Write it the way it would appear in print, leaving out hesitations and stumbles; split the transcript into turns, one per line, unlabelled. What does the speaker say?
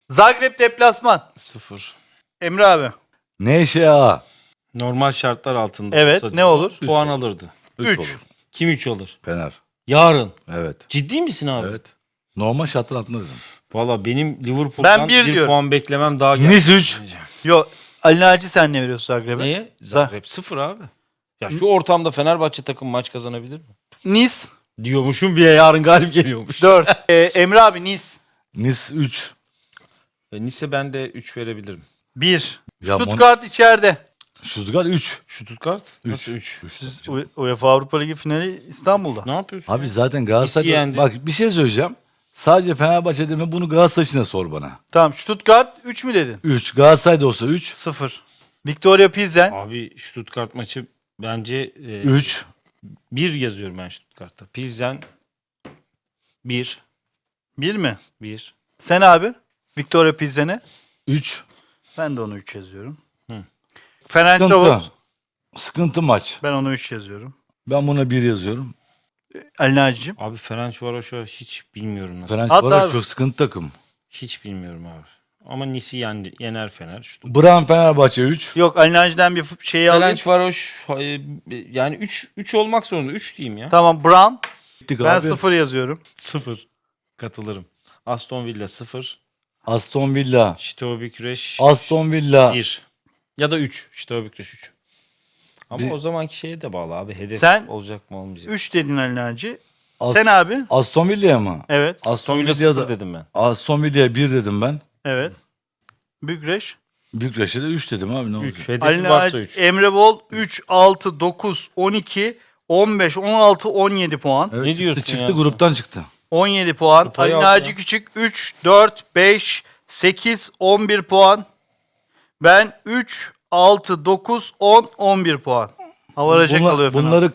Zagreb deplasman.
0.
Emre abi.
Neşea.
Normal şartlar altında.
Evet,
olsa
ne olur?
Puan alırdı.
3.
olur.
Kim 3 alır?
Fener.
Yarın.
Evet.
Ciddi misin abi?
Evet. Normal şartlar altında dedim.
Valla benim
Ben
Liverpool'dan
bir
bir
diyorum.
puan beklemem daha geldi.
Nice 3.
Yok. Ali Naci sen ne veriyorsun Zagreb'e?
Neye? Zagreb 0 abi. Ya şu ortamda Fenerbahçe takım maç kazanabilir mi?
Nice.
Diyormuşum bir yarın galip geliyormuş.
4. Emre abi Nice.
Nice 3.
Nice ben de 3 verebilirim.
1.
Ya
Stuttgart içeride.
Stuttgart 3.
Stuttgart?
Üç.
Nasıl 3?
Siz UEFA Avrupa Ligi finali İstanbul'da.
Ne yapıyorsun?
Abi
ya?
zaten
Nice'i
Galatasaray...
yendi.
Bak bir şey söyleyeceğim. Sadece Fenerbahçe deme, bunu Galatasaray için de sor bana.
Tamam, Stuttgart 3 mü dedin?
3. Galatasaray'da olsa 3.
0. Victoria Pilsen.
Abi Stuttgart maçı bence
3.
1 yazıyorum ben Stuttgart'ta. Pilsen 1.
1 mi?
1.
Sen abi? Victoria Pilsen'e.
3.
Ben de onu 3 yazıyorum.
Hı.
Fenerbahçe.
Sıkıntı maç.
Ben onu 3 yazıyorum.
Ben buna 1 yazıyorum.
Ali Naci'cim.
Abi Ferencvaros'u hiç bilmiyorum nasıl.
At
Fenerbahçe
abi.
çok sıkıntı takım.
Hiç bilmiyorum abi. Ama Nice'i yener Fener.
Bran Fenerbahçe 3.
Yok, Ali Naci'den bir şeyi alayım.
Ferencvaros yani 3 olmak zorunda. 3 diyeyim ya.
Tamam, Brown.
Gittik
Ben
abi.
0 yazıyorum.
0. Katılırım. Aston Villa 0.
Aston Villa.
Steaua Bükreş
Aston Villa.
1. Ya da 3. Steaua Bükreş 3. Ama
Bir-
o zamanki şeye de bağlı abi. Hedef
Sen-
olacak mı olmayacak?
3 dedin Ali Naci.
As-
Sen abi?
Aston Villa'ya mı?
Evet.
Aston Villa
Villa'ya
0
da-
dedim ben.
Aston Villa'ya 1 dedim ben.
Evet. Bükreş.
Bükreş'e de 3 dedim abi ne olacak?
3. Hedefi
Ali
varsa
Naci,
3.
Emre Bol 3, 6, 9, 12, 15, 16, 17 puan.
Evet,
Ne diyorsun
çıktı,
ya?
gruptan çıktı.
17 puan.
Kupayı
Ali
al
Naci
ya.
Küçük 3, 4, 5, 8, 11 puan. Ben 3, 6, 9, 10, 11 puan. Havaraja kalıyor Fener.
Bunları